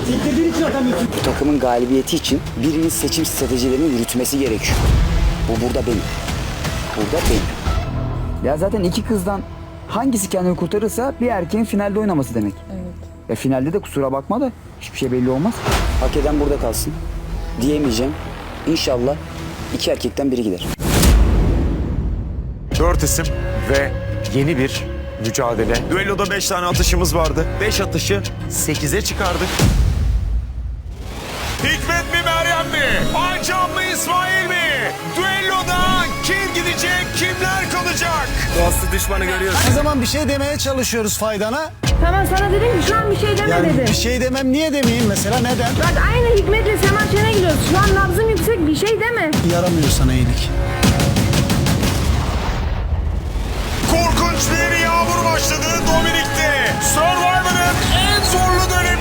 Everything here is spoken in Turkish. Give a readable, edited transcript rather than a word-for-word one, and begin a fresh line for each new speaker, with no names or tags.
Bu takımın galibiyeti için birinin seçim stratejilerini yürütmesi gerekiyor. Bu burada benim. Burada benim. Ya zaten iki kızdan hangisi kendini kurtarırsa bir erkeğin finalde oynaması demek.
Evet.
Ya finalde de kusura bakma da hiçbir şey belli olmaz. Hak eden burada kalsın diyemeyeceğim. İnşallah iki erkekten biri gider.
4 isim ve yeni bir mücadele. Düelloda 5 tane atışımız vardı. 5 atışı 8'e çıkardık. Hikmet mi Meryem mi? Aycan mı İsmail mi? Düelloda kim gidecek, kimler kalacak?
Dostu düşmanı görüyorsun.
Her zaman bir şey demeye çalışıyoruz faydana.
Tamam sana dedim ki şu an bir şey deme
Yani
dedim.
bir şey demem, niye demeyeyim mesela, neden?
Bak aynı Hikmet'le Sema Çen'e gidiyoruz. Şu an nabzım yüksek, bir şey deme.
Yaramıyor sana iyilik.
Korkunç bir yağmur başladı Dominik'te. Survivor'ın en zorlu dönemi.